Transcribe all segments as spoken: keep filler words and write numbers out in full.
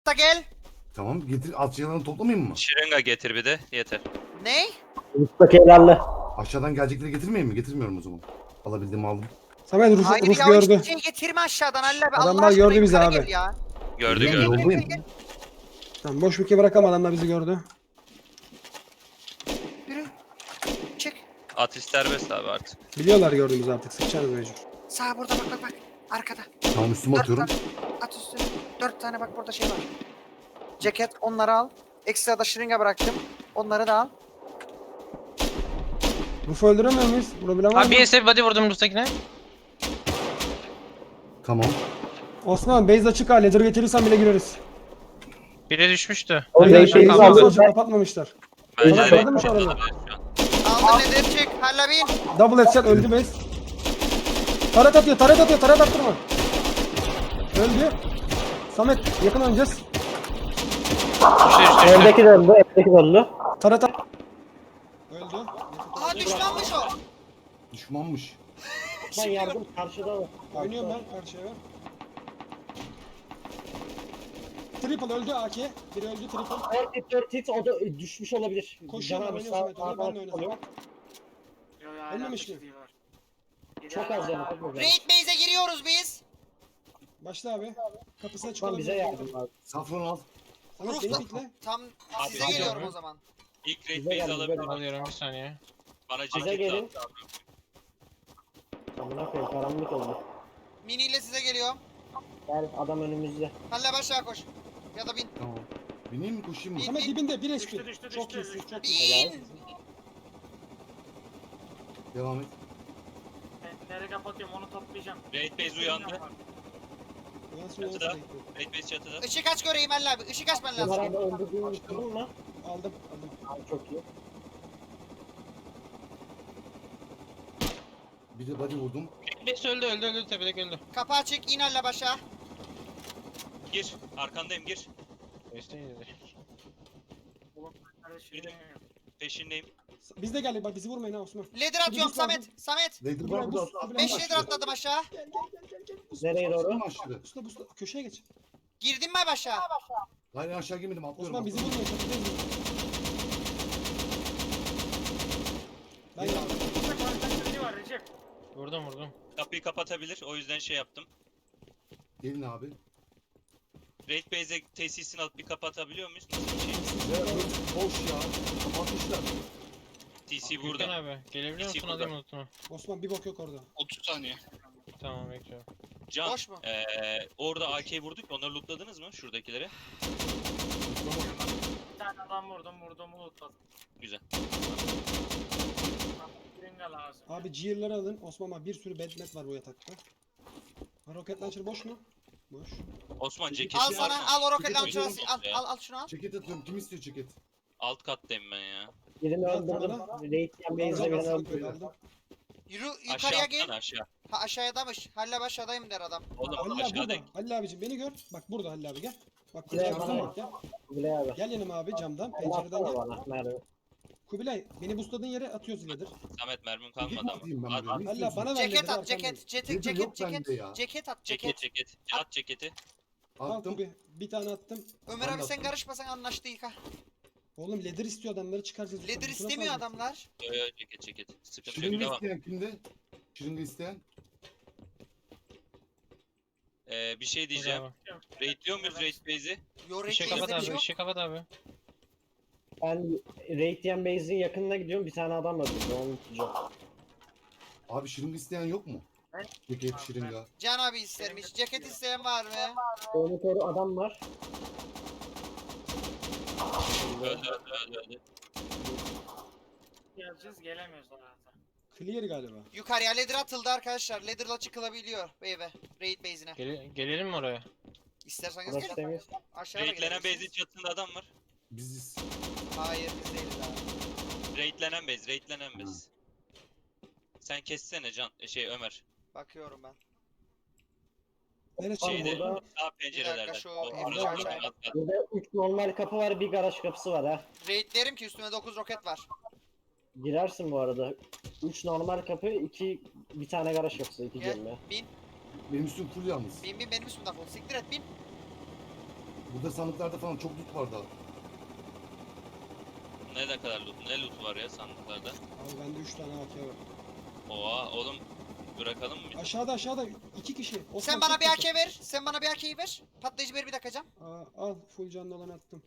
Da gel. Tamam getir alçıyalarını toplamayayım mı? Şırınga getir bir de yeter. Ne? Mustafa helalli. Aşağıdan gelecekleri getirmeyeyim mi? Getirmiyorum o zaman. Alabildiğimi aldım. Samet Rus, Hayır Rus ya gördü. hiçbir şey getirme aşağıdan Allah be. Adamlar Allah aşkına gördü bizi yukarı abi. gel Ya. Gördü Ben gördü. yoldayım. Tamam boş bir ke bırakalım, adamlar bizi gördü. Yürü. Çık. Atış serbest abi artık. Biliyorlar gördüğümüzü artık, sıçarız mecbur. Sağ burada bak bak bak. Arkada. Tamam üstüme Dört atıyorum. tane. At üstüne. Dört tane bak burada şey var. Ceket onları al. Ekstra da şırınga bıraktım. Onları da al. Ruf'u öldüremiyor muyuz? Vurabilen var Abi mı? bir S body vurdum Rus'takine. Tamam. Osman base açık ha, ladder getirirsen bile gireriz. Biri düşmüştü. O Hayır, şey- aşağı şey- kaldı. Base'i aldım. açık kapatmamışlar. Bence Ulan de gördün mü şu renkli adamı? olabilir şu an. Aldın nedir çık. Halla bin. Double headshot öldü base. Taret atıyor, taret atıyor, taret attırma. Öldü. Samet yakın oynayacağız. Düştü düştü düştü. Evdeki de öldü, evdeki de öldü. Taret at. Öldü. Aha düşmanmış o. Düşmanmış. Ben yardım karşıda var. Oynuyorum ben karşıya ben. Triple öldü A K. Biri öldü triple. dört hit, dört hit, o da e, düşmüş olabilir. Koşuyor, Can abi oynuyor sağ- Samet, oynuyor, ben de sağ- oynadım. Ölmemiş mi? Çok az canı, çok az canı. Raid base'e giriyoruz biz. Başla abi. Kapısına çık Osman bize yardım abi. Safran al. Samet Rus beni da- pikle. Tam Abi, size abi, geliyorum abi. o zaman. İlk raid Bize base gel, bize alabilir. gel. Alıyorum bir saniye. Bana Bize ceket gelin. lazım. Amına koyayım, karanlık oldu. Mini ile size geliyorum. Gel, adam önümüzde. Halla başla koş. Ya da bin. Tamam. Bineyim mi koşayım mı? Bin. Samet dibinde bir H P. Çok iyisin, çok iyisin. Bin. Devam et. Nereye kapatıyorum onu toplayacağım. Raid base uyandı. Yansın, Çatıda. yansın. Raid base çatıda. Işık aç göreyim Halla abi. Işık açman Ömer lazım. abi öldürdüğünü tuttun mu? Aldım, aldım. Abi çok iyi. Bir de body vurdum. Birisi öldü öldü öldü tepedeki öldü. Kapı açık. İn Halla başa. Gir. Arkandayım gir. Birisi iyiydi. Bir de peşindeyim. Biz de geldik, bak bizi vurmayın ha Osman. Ledger atıyorum Samet. Samet. Later Buraya bırak bus- burada. buraya beş bus- ledger atladım aşağı. Gel gel gel gel gel. Bus- Nereye doğru? Aşağı mı aşağı? Busla busla, köşeye geç. Girdim mi aşağı? Hayır aşağı girmedim atlıyorum. Osman bizi atlıyorum. vurmayın, çatıdayız biz. Ben geldim. var Recep. Vurdum vurdum. Kapıyı kapatabilir. O yüzden şey yaptım. Gelin abi. Raid base'e tesisini alıp bir kapatabiliyor muyuz? Nasıl bir şey? Ya boş ya. Kapatmışlar. T C Gürkan burada. abi gelebiliyor İki musun burada. alayım unutma. Osman bir bok yok orada. otuz saniye. Tamam bekliyorum. Can, Boş mu? eee orada A K'yi vurduk. Onları lootladınız mı? Şuradakileri. Bir tane adam vurdum vurdum unutmadım. Güzel. Ringa lazım. Abi Gear'ları alın. Osman abi bir sürü bedmet var bu yatakta. Ha, rocket launcher boş mu? Boş. Osman ceketi Al var sana. mı? Al o rocket Ceket launcher'ı. atıyorum. Al, al al şunu al. Ceket atıyorum. Kim istiyor ceket? Alt kattayım ben ya. Birini Bak öldürdüm. bana. Raid yan base'de birini Aldım, öldürdüm. aldım. Yürü Aşağı yukarıya gel. atsana aşağı. Ha aşağıdamış. Halla aşağıdayım der adam. Oğlum Halil abi burada. aşağıdayım. Halil abicim beni gör. Bak burada Halil abi gel. Bak Kubilay Kubilay bana bak gel. Kubilay abi. Gel yanıma abi camdan, Allah pencereden sana gel. bana. Merve. Kubilay beni busladığın yere atıyoruz iledir. Samet mermim Ceket mi kalmadı atayım ben ama. At, buraya? at. Ne Halil abi istiyorsun? bana ver Ceket lederi at. arkandayım. Ceket. Ceket. Ledger Ceket. yok bende Ceket. ya. Ceket at. Ceket Ceket. ceket. At ceketi. Al Attım. Kubi. Bir tane attım. Ömer Ben abi de sen attım. karışmasan anlaştık ha. Oğlum ledger istiyor, adamları çıkaracağız. Ledger Busuna istemiyor saldık. adamlar. Yo yo ceket ceket. Sıkıntı yok. Şırınga Devam. isteyen kimde? Şırınga isteyen? Ee, bir şey diyeceğim. Bravo. Raidliyor muyuz raid base'i? Yo İşe raid kapat base'de bir şey abi yok. işe kapat abi. Ben Raid yan base'in yakınına gidiyorum. Bir tane adam öldürdü. Onu tutacağım. Abi şırınga isteyen yok mu? Ceket şırınga. Can abi istermiş. Ceket isteyen var mı? Onu koru adam var. Öldü öldü öldü öldü. Geleceğiz gelemiyoruz zaten. Clear galiba. Yukarıya ladder atıldı arkadaşlar. Ladder'la çıkılabiliyor beybe. Raid base'ine. Gele- gelelim mi oraya? İsterseniz Burası gelin. temiz. Aşağıya da Raidlenen base'in gelebilirsiniz. çatısında adam var. Biziz. Hayır biz değiliz abi. Raidlenen base, raidlenen base. Sen kessene Can, şey Ömer. Bakıyorum ben. Neresi? Abi Şeyde, burada- sağ pencerelerden. şu O- evde orası aşağıya. alt kat. Burada üç normal kapı var. Bir garaj kapısı var ha. Raidlerim ki üstüme dokuz roket var. Girersin bu arada. üç normal kapı, iki bir tane garaj kapısı, iki Gel celle. bin. Benim üstüm full yalnız. Bin bin benim üstümde full. Siktir et bin. Burada sandıklarda falan çok loot var daha. Ne de kadar loot, ne loot var ya sandıklarda. Abi bende üç tane A K var. Oha oğlum bırakalım mı? Aşağıda aşağıda iki kişi. Osman Sen bana çok bir kötü. A K ver. Sen bana bir A K'yi ver. Patlayıcı ver bir dakika. Aa, al full canlı olan attım.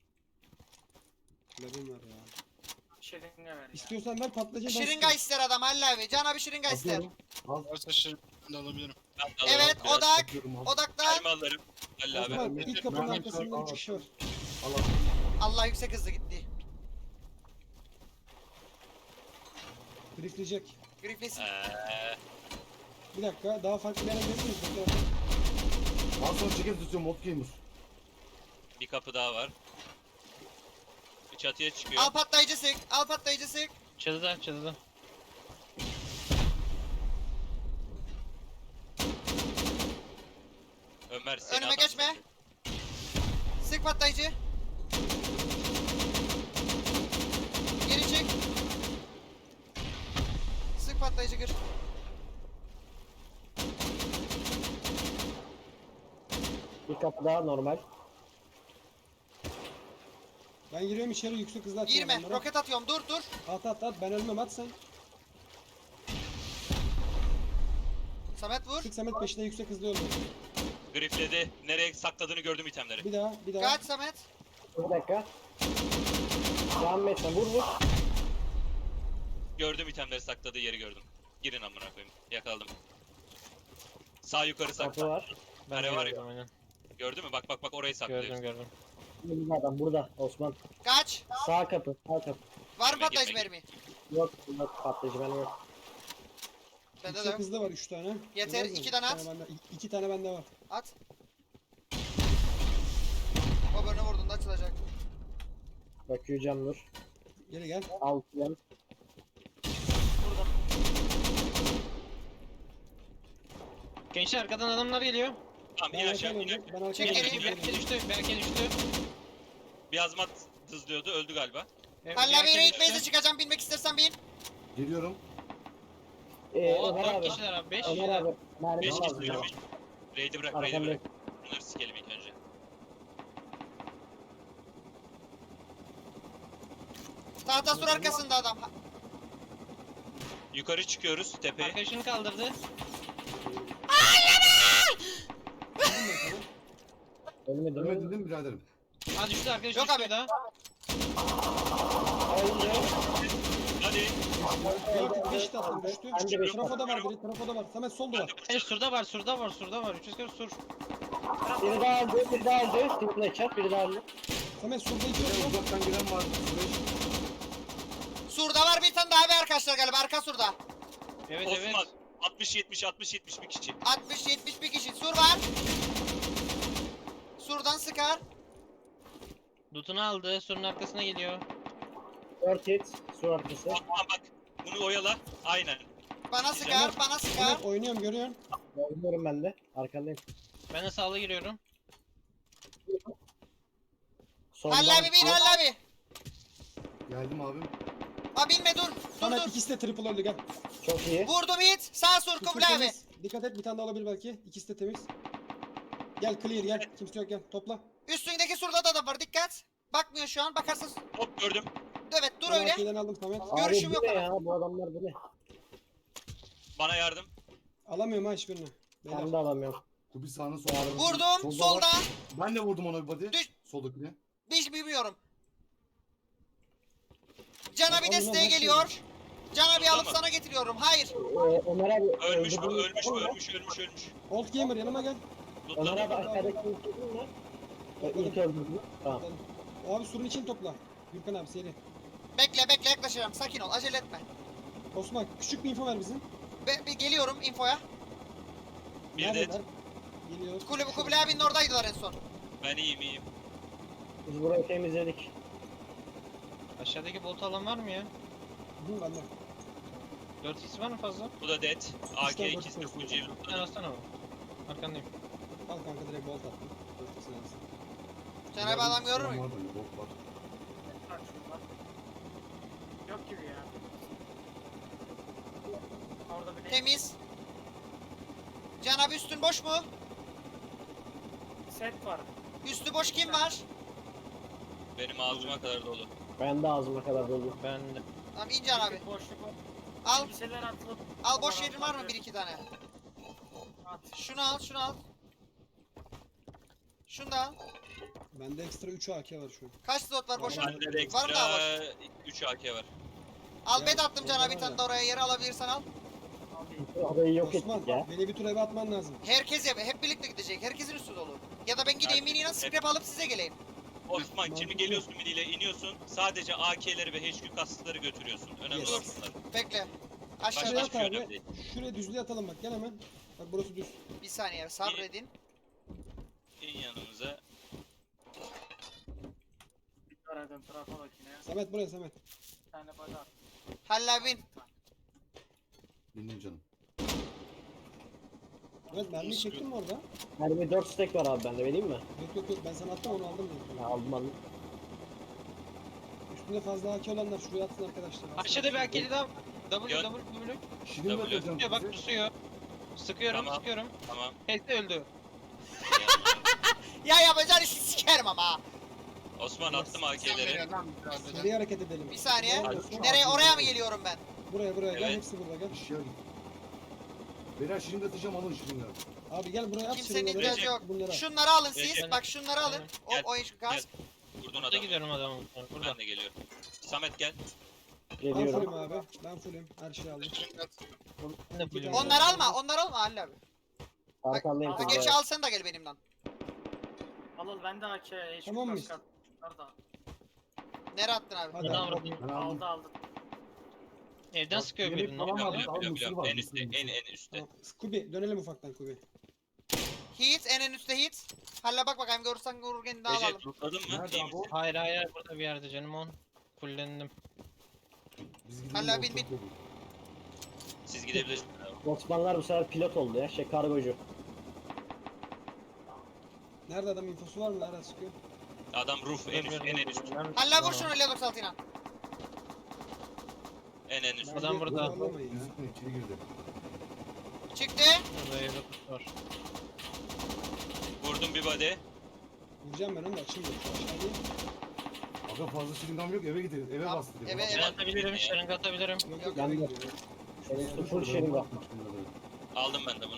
Labim var ya. Şiringe ver ya. İstiyorsan ver patlayıcı ben Şırınga istiyorum. ister adam Halil abi. Can abi şırınga ister. Atıyorum. Al. Varsa şirin de alabilirim. Ben de alırım Evet biraz. odak. Atıyorum, al. Odaklan. Elma alırım. Halil abi. Osman ilk kapının Ben- arkasında üç kişi var. Al al. Allah yüksek hızlı gitti. Grifleyecek. Griflesin. Eee, Bir dakika daha farklı bir yere gidebilir miyiz? Bekle. Al sonra ceket tutuyorum Mod Gamer. bir kapı daha var. Bir çatıya çıkıyor. Al patlayıcı sık. Al patlayıcı sık. Çatıda çatıda. Ömer seni Önüme adam geçme. sandı. Sık patlayıcı. Geri çık. Sık patlayıcı gir. Bir kapı daha normal. Ben giriyorum içeri yüksek hızla atıyorum Girme. adamlara. Roket atıyorum. Dur dur. At at at ben ölmem at sen. Samet vur. Sık Samet peşinde yüksek hızlı öldü. Grifledi. Nereye sakladığını gördüm itemleri. Bir daha bir daha. Kaç Samet. Bir dakika. Devam etme vur vur. Gördüm itemleri sakladığı yeri gördüm. Girin amına koyayım. Yakaladım. Sağ yukarı Kapı sakla. var. Ben Kare de var ya. gördüm aynen. Gördün mü? Bak bak bak orayı saklıyor. Gördüm gördüm. Burada adam burada Osman. Kaç. Sağ kapı sağ kapı. Var mı Girme, patlayıcı girme, mermi? Yok yok patlayıcı ben yok. Bende de Yüksek yok. hızlı var üç tane. Yeter, Görüyor musun? iki tane Bir at. bende- iki- iki tane bende var. At. O bölümü vurduğunda açılacak. Bakıyor cam dur. Geri gel. Alt yan. Gençler arkadan adamlar geliyor. Tamam Ben in aşağı arkaya in döndüm. aşağı. Ben arkaya Çek döndüm. geri. Berke düştü. Berke düştü. Bir azmat hızlıyordu. Öldü galiba. Evet, Halil abi Berke raid düştü. base'e çıkacağım. Binmek istersen bin. Geliyorum. Ee, Oo Ömer dört abi. kişiler abi. beş Ömer kişiler. abi. Mermi beş lazım. kişi yürümüş. Raid'i bırak, raid'i Arkamda. bırak. Bunları sikelim ilk önce. Tahta sur arkasında adam. Ha- Yukarı çıkıyoruz tepeye. Arkadaşını kaldırdı. Öldüm ben sana. Ölmedi Ölmedin mi? değil mi biraderim? Ha düştü arkadaş Yok düştü abi. daha. Öldü. Hadi. Dört beş de attım düştü. Ben de beş Trafoda var biri trafoda var. Samet sol Ben duvar. de Hayır vuracağım. surda var surda var surda var. üç yüz kırk sur. Biri daha öldü. Biri daha öldü. Triple headshot. Biri daha öldü. Samet solda iki Buraya yok. uzaktan gelen var. Süreç. Surda var bir tane daha bir arkadaşlar galiba. Arka surda. Evet Osman. evet. altmış yetmiş altmış yetmiş bir kişi. altmış yetmiş bir kişi. Sur var. Surdan sıkar. Loot'unu aldı. Surun arkasına geliyor. dört hit. Su arkası. Osman bak. Bunu oyala. Aynen. Bana sıkar. Bana sıkar. Samet oynuyorum görüyorsun. Oynuyorum ben de. Arkandayım. Ben de sağlı giriyorum. Soldan. Halil abi bin Halil abi. Geldim abim. Ha binme dur. Dur Samet dur. ikisi de triple öldü gel. Çok iyi. Vurdum hit. Sağ sur Üstü Kubilay abi. temiz. Dikkat et bir tane daha olabilir belki. İkisi de temiz. Gel clear gel. Kimse yok gel. Topla. Üstündeki surda da adam var. Dikkat. Bakmıyor şu an. Bakarsan. Hop gördüm. Evet dur Ben öyle. arkadan aldım Samet. Görüşüm Abi yok bu ne ama. ya? Bu adamlar bu ne? Bana yardım. Alamıyorum ha hiçbirini. Beyler. Ben de alamıyorum. Kubi sağına solda. Vurdum. Solda var. Soldan. Ben de vurdum ona bir body. Düş. Soldakine. Hiç bilmiyorum. Can abi Alın, desteğe alın, geliyor. Can abi Burada alıp mı? sana getiriyorum. Hayır. Ee, Ömer abi. Ölmüş bu, öldürdüğünüz ölmüş var bu, mı? ölmüş, ölmüş, ölmüş. Old gamer yanıma gel. Ömer abi Lootladım. aşağıdaki öldürdün mü? Ee, İlk öldürdün. Tamam. Abi surun için topla. Gürkan abi seri. Bekle bekle yaklaşacağım. Sakin ol. Acele etme. Osman küçük bir info ver bizim. Be, bir geliyorum infoya. Bir de Neredeler? Geliyor. Kulübü Kubilay abinin oradaydılar en son. ben iyiyim iyiyim. Biz burayı temizledik. Aşağıdaki bolt alan var mı ya? Hı bende. dört x var mı fazla? Bu da dead. A K İşte ikisi de dört full kez. cevim. Sen alsana onu. Arkandayım. Al kanka direkt bolt attım. Dört kişi lazım. Can abi adam görür mü? Var da bir bok var. Bak şurada. Yok gibi ya. Orada bir Temiz. Can abi üstün boş mu? set var. Üstü boş kim var? Benim ağzıma kadar dolu. Ben de ağzıma kadar dolu. Ben de. Tamam İncan abi. Boşluk var. Al. Elbiseler atılıp. Al boş yerin var mı bir iki tane? At. Şunu al, şunu al. Şunu da al. Bende ekstra üç A K var şu an. Kaç slot var boşa? Bende de Var mı daha boş? ekstra üç A K var. Al Ya, bed attım cana bir orada tane var de oraya yere alabilirsen al. Alayım. Orayı yok Osman ettik ya. beni bir tur eve atman lazım. Herkes yap, hep birlikte gidecek. Herkesin üstü dolu. Ya da ben gideyim ineyim scrap alıp size geleyim. Osman şimdi Mantıklı. geliyorsun midiyle iniyorsun. Sadece A K'leri ve H Q kastıkları götürüyorsun. Önemli Yes. olan bunlar. Bekle. Başka Aşağıda hiçbir şey abi. önemli değil. Şuraya düzlüğe atalım bak gel hemen. Bak burası düz. bir saniye sabredin. İn yanımıza. Bir aradım trafologine. Samet buraya Samet. Bir tane bana at. Halla bin. Dinleyin canım. Evet mermiyi çektin mi orada? Mermi dört stack var abi bende, vereyim mi? Yok yok yok ben sana attım onu aldım dedim. Ya, aldım aldım. Üstünde fazla A K olanlar şuraya atsın arkadaşlar. Aşağıda bir akeli daha. W Yön. W W. Şirin W. bakacağım Tutuyor bak size. tutuyor. Sıkıyorum Tamam. sıkıyorum. Tamam. Hepsi öldü. Ya yapacağın işi sikerim ama. ha. Osman attım A K'leri. Seri hareket edelim. Bir saniye. Doğru, Osman. Nereye oraya mı geliyorum ben? Buraya buraya gel Evet. hepsi burada gel. İşe git. Beyler şirin atacağım alın şirinleri. Abi gel buraya at Kimsenin şirinleri. ihtiyacı yok. Bunları al. Şunları alın siz. Recep. Bak şunları alın. Gel, O oyun kask. Vurdun Burada adamı. gidiyorum adamın. Burada. Ben de geliyorum. Samet gel. Ben Geliyorum. fullüm abi. Ben fullüm. Her şeyi aldım. Ben de fullüm. Onları alma. Onları alma Halil abi. Arkandayım. Ha, kızlar. gerçi al sen de gel benimden. Al al ben de A K. Hiç Tamam mıyız? kask at. Nerede? Nereye attın abi? Hadi Bana abi. vurdum. Ben aldım. Aldı aldı. Evden sıkıyor Yemek birini. falan Ama aldım. Biliyorum biliyorum mısır biliyorum. var, En mısır, üstte. mısır. En en üstte. Tamam. Kubi dönelim ufaktan Kubi. Heat en en üstte heat. Halla bak bakayım görürsen vururken daha alalım. Recep lootladın mı? Nerede İyi abi o? misin? Hayır hayır burada bir yerde canım on. Fullendim. Biz gidelim. Hala ortalık bin, bin. dolu. Siz gidebilirsiniz. abi. Osmanlılar bu sefer pilot oldu ya. Şey kargocu. Nerede adam infosu var mı? Nerede sıkıyor? Adam roof en üst, en en üst. Halla vur şunu L doksan altı ile. En en üst. Adam burada. Anlamayın ya. Gözükmüyor içeri girdi. Çıktı. Burada evde kutu var. Vurdum bir body. Vuracağım ben onu da açayım. da. Aşağı değil. Aga fazla şiringam yok eve gidelim. Eve Tamam, bastı. eve- Ben atabilirim, şırınga atabilirim. Yok yok Ben eve de. gidiyor. Benim üstü full şeyim var. Aldım ben de bunu.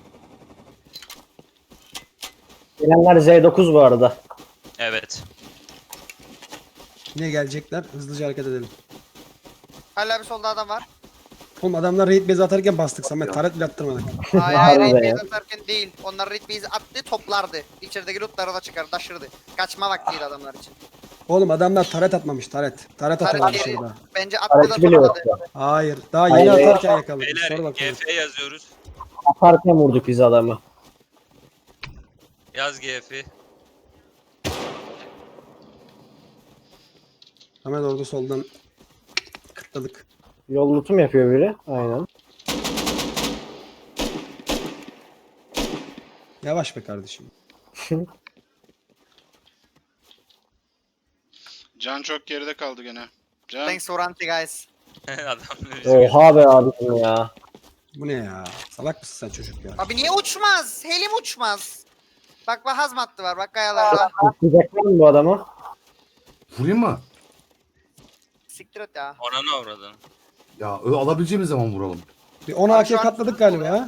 Gelenler Z dokuz bu arada. Evet. Yine gelecekler. Hızlıca hareket edelim. Halla bir solda adam var. Oğlum adamlar raid base atarken bastık Samet. Taret bile attırmadık. Hayır hayır Harbi raid ya. base atarken değil. Onlar raid base attı toplardı. İçerideki lootları da çıkar taşırdı. Kaçma vaktiydi adamlar için. Oğlum adamlar taret atmamış taret. Taret Taret atamamış değil. orada. Bence attı da Aracı bile yok topladı. ya. Hayır. Daha yeni Hayır. atarken yakaladık. Beyler Sonra bakalım. G F yazıyoruz. Atarken vurduk biz adamı. Yaz G F'i. Samet orada soldan kıtladık. Yol lootu mu yapıyor biri? Aynen. Yavaş be kardeşim. Can çok geride kaldı gene. Can Thanks for anti guys. Adam üzgün. Oha be abicim ya. Bu ne ya? Salak mısın sen çocuk ya? Abi niye uçmaz? Helim uçmaz. Bak bak hazmatlı var bak kayalarda. Atlayacaklar mı bu adamı? Vurayım mı? Siktir et ya. Ona ne uğradın? Ya ö- alabileceğimiz zaman vuralım. Bir on Abi A K şu an- katladık galiba ya.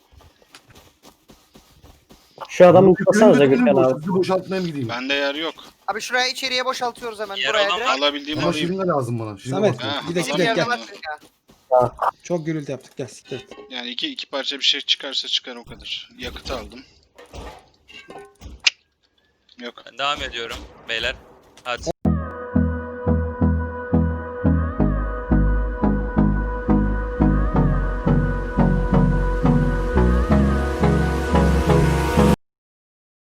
Şu adamı Benim tutmasanıza de benim Gürkan boş- abi. Hızlı boşaltmaya mı gideyim? bende yer yok. Abi şuraya içeriye boşaltıyoruz hemen Yer buraya olan direkt. var. Alabildiğimi Ama alayım. şirin de lazım bana. Şirin Samet bastı. Ha, gidek Bizim gidek yerde gel. var ya. Çok gürültü yaptık gel siktir. et. Yani iki iki parça bir şey çıkarsa çıkar o kadar. Yakıt aldım. Yok. Ben devam ediyorum beyler. Hadi.